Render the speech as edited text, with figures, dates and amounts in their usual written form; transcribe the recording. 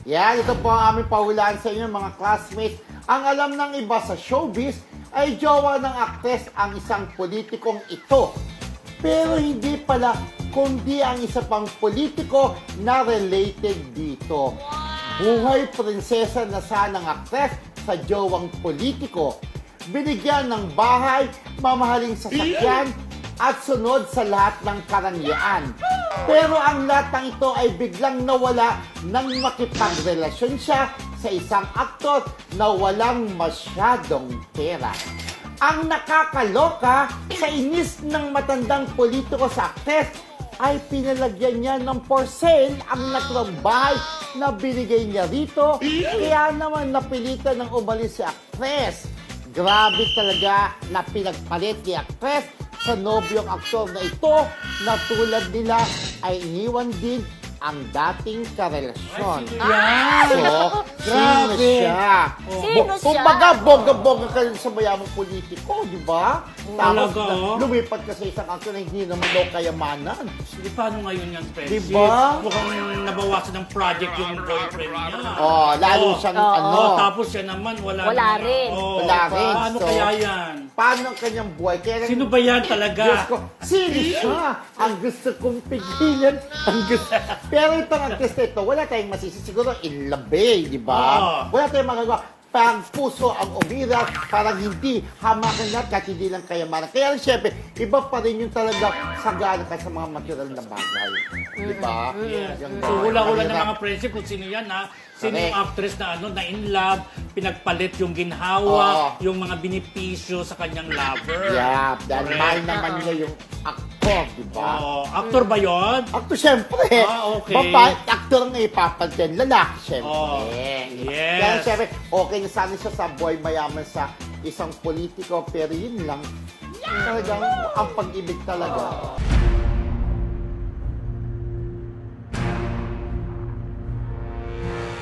Yan, ito po ang aming pahulaan sa inyo mga classmates. Ang alam ng iba sa showbiz ay jowa ng aktres ang isang politikong ito. Pero hindi pala, kundi ang isa pang politiko na related dito. Buhay prinsesa na sanang aktres sa jowang politiko. Binigyan ng bahay, mamahaling sasakyan, at sunod sa lahat ng karangyaan. Pero ang lahat ng ito ay biglang nawala nang makipagrelasyon siya sa isang aktor na walang masyadong pera. Ang nakakaloka, sa inis ng matandang politiko sa aktres, ay pinalagyan niya ng for sale ang naturang bahay na binigay niya rito. Kaya naman napilitan ng umalis si aktres. Grabe talaga na pinagpalit ni aktres sa nobyong aktor na ito na tulad nila ay iniwan din ang dating karelasyon. So, sino siya? Sino siya? Kumbaga, bongga-bongga ka rin sa mayamang politiko, di ba? Tapos Talaga? lumipat ka sa isang aktor na hindi naman daw kayamanan. Hindi, paano ngayon yan, Francis? Diba? Mukhang nabawasan ng project yung boyfriend niya. Oh, lalo siyang ano. Tapos siya naman, wala Wala naman. rin. Wala rin. Paano So, kaya yan? Paano ang kanyang buhay? Kaya, Sino ba yan talaga? Diyos ko, sino siya? Ang gusto kong pigilan. Ang gusto. Pero itong actress na ito, wala tayong masisi. Siguro in love, di ba? Oo. Wala tayong magagawa. Parang puso ang umiras, parang hindi hamakan lahat kahit hindi lang kayamanan. Kaya siyempre, iba pa rin yung talaga sagana ka sa mga material na bagay. Di ba? Yes. Yung So, hula-hula ng mahirap. mga friendship kung sino yan, ha? Sino yung Correct. actress na na in love, pinagpalit yung ginhawa, Oo. yung mga binipisyo sa kanyang lover. Yeah, dahil Correct. mahal naman niya yung actor, di ba? Oo. Actor ba yon? Actor, syempre. Okay. Babae, actor ang ipapalitin. Lalaki, syempre. Oh, Diba? yes. Kaya syempre, okay na sana siya sa boy mayaman sa isang politiko, pero yun lang, talagang ang pag-ibig talaga.